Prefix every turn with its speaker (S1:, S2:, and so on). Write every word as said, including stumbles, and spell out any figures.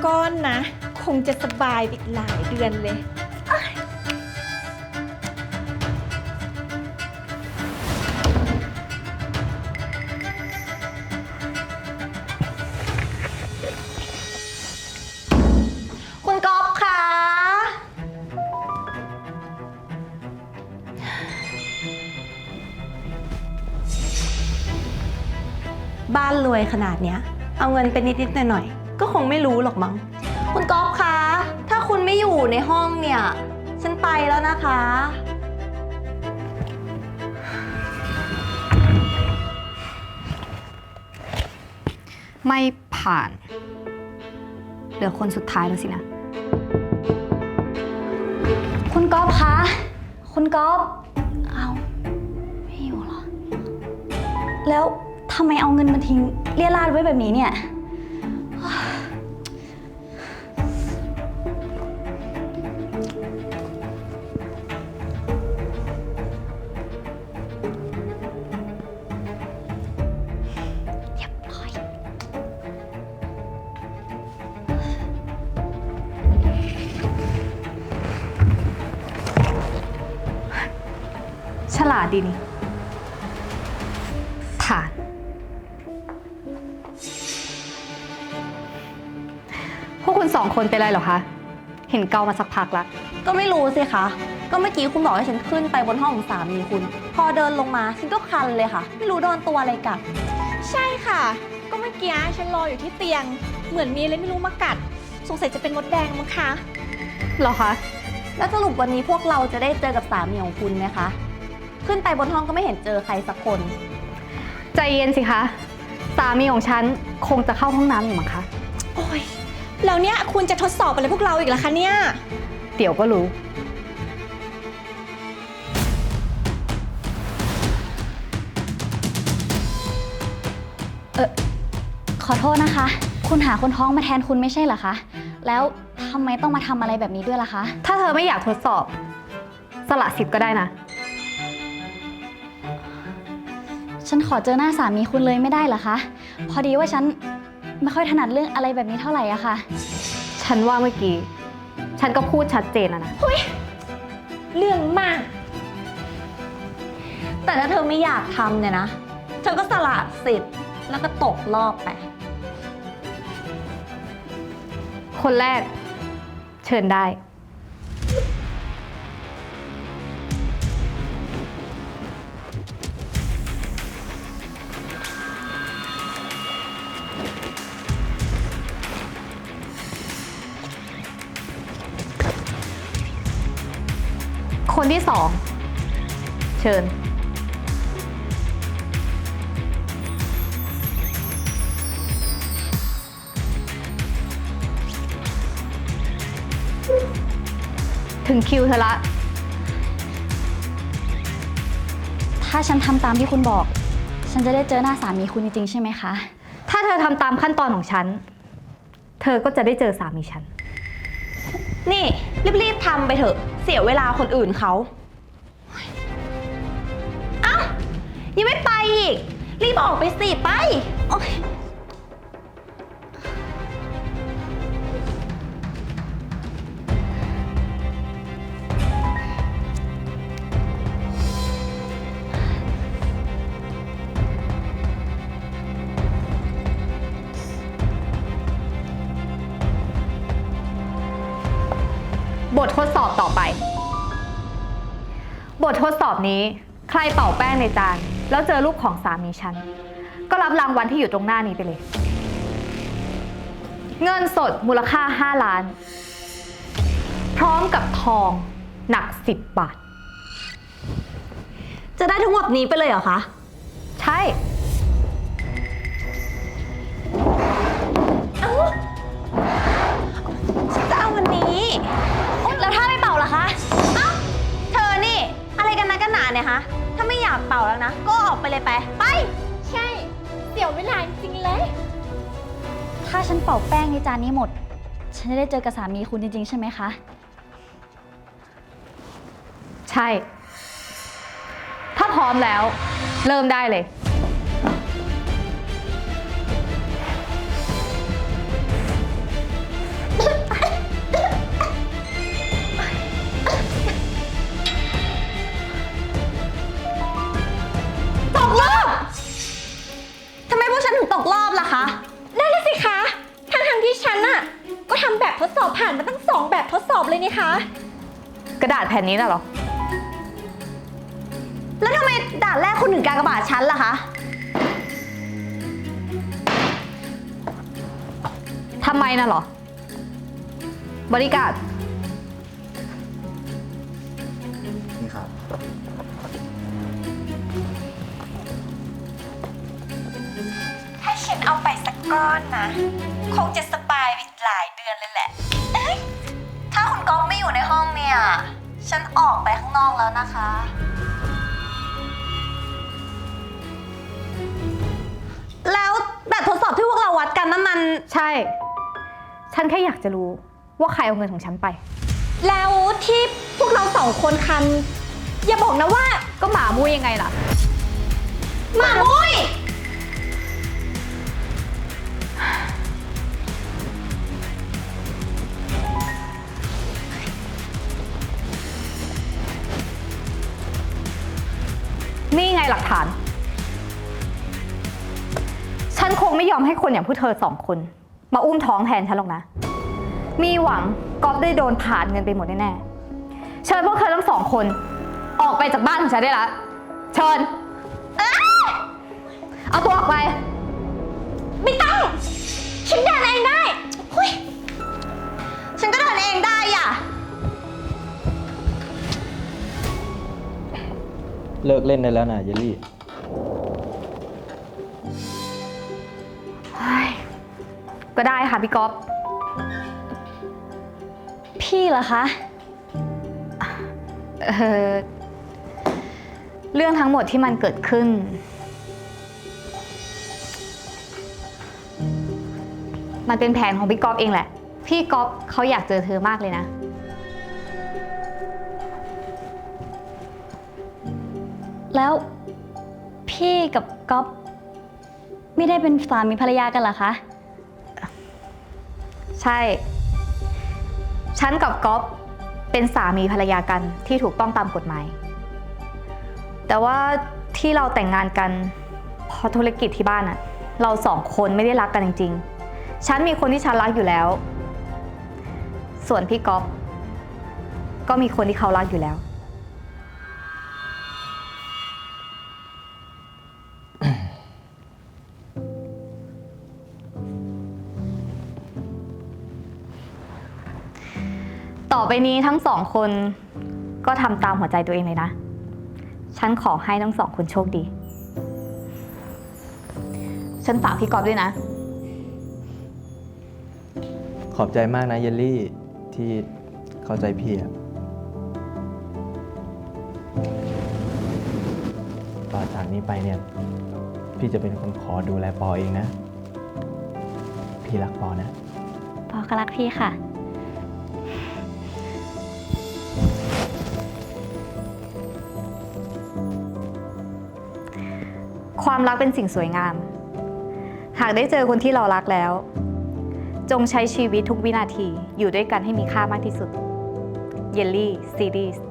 S1: ก้อนนะคงจะสบายอีกหลายเดือนเลยคุณก๊อฟคะบ้านรวยขนาดเนี้ยเอาเงินไปนิดๆหน่อยๆก็คงไม่รู้หรอกมั้งคุณก๊อฟคะถ้าคุณไม่อยู่ในห้องเนี่ยฉันไปแล้วนะคะ
S2: ไม่ผ่านเหลือคนสุดท้ายแล้วสินะคุณก๊อฟคะคุณก๊อฟเอาไม่อยู่เหรอแล้วทำไมเอาเงินมาทิ้งเรี่ยราดไว้แบบนี้เนี่ยฉลาดดีนี่ผ่านพวกคุณสองคนเป็นไรเหรอคะ เห็นเกามาสักพักแล้ว
S1: ก็ไม่รู้สิคะก็เมื่อกี้คุณบอกให้ฉันขึ้นไปบนห้องของสามีคุณพอเดินลงมาฉันก็คันเลยค่ะไม่รู้โดนตัวอะไรกัดใช่ค่ะก็เมื่อกี้ฉันรออยู่ที่เตียงเหมือนมีอะไรไม่รู้มากัดสงสัยจะเป็นมดแดงมั้งคะ
S2: เหรอคะ
S1: แล้วสรุปวันนี้พวกเราจะได้เจอกับสามีของคุณไหมคะขึ้นไปบนห้องก็ไม่เห็นเจอใครสักคน
S2: ใจเย็นสิคะสามีของฉันคงจะเข้าห้องน้ำอยู่มั้งคะ
S1: โอ้ยแล้วเนี่ยคุณจะทดสอบอะไรพวกเราอีกล่ะคะเนี่ย
S2: เดี๋ยวก็รู้
S3: เออขอโทษนะคะคุณหาคนท้องมาแทนคุณไม่ใช่เหรอคะแล้วทำไมต้องมาทำอะไรแบบนี้ด้วยล่ะคะ
S2: ถ้าเธอไม่อยากทดสอบสละสิทธิ์ก็ได้นะ
S3: ฉันขอเจอหน้าสามีคุณเลยไม่ได้เหรอคะพอดีว่าฉันไม่ค่อยถนัดเรื่องอะไรแบบนี้เท่าไหร่อะค่ะ
S2: ฉันว่าเมื่อกี้ฉันก็พูดชัดเจนแล้วนะ
S1: เฮ้ยเรื่องมากแต่ถ้าเธอไม่อยากทำเนี่ยนะเธอก็สละสิทธิ์แล้วก็ตกรอบไป
S2: คนแรกเชิญได้คนที่สองเชิญถึงคิวเธอละ
S3: ถ้าฉันทำตามที่คุณบอกฉันจะได้เจอหน้าสามีคุณจริงๆใช่ไหมคะ
S2: ถ้าเธอทำตามขั้นตอนของฉันเธอก็จะได้เจอสามีฉัน
S1: นี่รีบๆทำไปเถอะเสียเวลาคนอื่นเขาเอ้ายังไม่ไปอีกรีบออกไปสิไปโอ๊ย
S2: บททดสอบต่อไป บททดสอบนี้ใครเป่าแป้งในจานแล้วเจอรูปของสามีฉันก็รับรางวัลที่อยู่ตรงหน้านี้ไปเลย เงินสดมูลค่าห้าล้านพร้อมกับทองหนักสิบบาท
S1: จะได้ทั้งหมดนี้ไปเลยเหรอคะ
S2: ใช่
S1: เอ้าจะเอาวันนี้แล้วถ้าไม่เป่าล่ะคะเอ้าเธอนี่อะไรกันนะกันหนาเนี่ยคะถ้าไม่อยากเป่าแล้วนะก็ออกไปเลยไปไปใช่เสียเวลาจริงๆเลย
S3: ถ้าฉันเป่าแป้งในจานนี้หมดฉันจะได้เจอกับสามีคุณจริงๆใช่ไหมคะ
S2: ใช่ถ้าพร้อมแล้วเริ่มได้เลย
S1: อบล่ะคะ
S2: นั่นน่ะสิคะทั้งทที่ฉันน่ะก็ทำแบบทดสอบผ่านมาตั้งสองแบบทดสอบเลยนี่คะ
S1: กระดาษแผ่นนี้น่ะเหรอ แล้วทำไมด่านแรกคุณถึงกากบาทฉันล่ะคะ ทำไมน่ะเหรอ บริการ
S4: นี่ครับ
S1: ถ้าฉันเอาไปสักก้อนนะ คงจะสบายไปหลายเดือนเลยแหละเอ้ยถ้าคุณก๊อฟไม่อยู่ในห้องเนี่ย ฉันออกไปข้างนอกแล้วนะคะ แล้วแบบทดสอบที่พวกเราวัดกันนั่นมัน
S5: ใช่ ฉันแค่อยากจะรู้ว่าใครเอาเงินของฉันไป
S2: แล้วที่พวกเราสองคนคัน อย่าบอกนะว่า
S5: ก็หมามุ้ยยังไงล่ะ
S2: หมามุ้ย
S5: นี่ไงหลักฐาน ฉันคงไม่ยอมให้คนอย่างพวกเธอสองคน มาอุ้มท้องแทนฉันหรอกนะ มีหวังก๊อฟได้โดนผ่านเงินไปหมดแน่ๆ เชิญพวกเธอทั้งสองคน ออกไปจากบ้านของฉันได้ละ เชิญ เอาตัวออกไป
S2: ไม่ต้อง ฉันเดินเองได้หุย
S1: ฉันก็เดินเองได้อ่ะ
S4: เลิกเล่นได้แล้วนะเยลลี่
S5: ก็ได้ค่ะพี่ก๊อฟ
S2: พี่เหรอคะ
S5: เอ่อเรื่องทั้งหมดที่มันเกิดขึ้น มันเป็นแผนของพี่ก๊อฟเองแหละ พี่ก๊อฟเขาอยากเจอเธอมากเลยนะ
S2: แล้วพี่กับก๊อฟไม่ได้เป็นสามีภรรยากันเหรอคะ
S5: ใช่ ฉันกับก๊อฟเป็นสามีภรรยากันที่ถูกต้องตามกฎหมาย แต่ว่าที่เราแต่งงานกันเพราะธุรกิจที่บ้านอะเราสองคนไม่ได้รักกันจริงๆ ฉันมีคนที่ฉันรักอยู่แล้ว ส่วนพี่ก๊อฟก็มีคนที่เขารักอยู่แล้ว ต่อไปนี้ทั้งสองคนก็ทำตามหัวใจตัวเองเลยนะ ฉันขอให้ทั้งสองคนโชคดี ฉันฝากพี่กอฟด้วยนะ
S4: ขอบใจมากนะเยลลี่ที่เข้าใจพี่อะต่อจากนี้ไปเนี่ย พี่จะเป็นคนขอดูแลปอเองนะ พี่รักปอนะ
S2: ปอก็รักพี่ค่ะ
S5: ความรักเป็นสิ่งสวยงาม หากได้เจอคนที่เรารักแล้ว จงใช้ชีวิตทุกวินาทีอยู่ด้วยกันให้มีค่ามากที่สุด เยลลี่ซีรีส์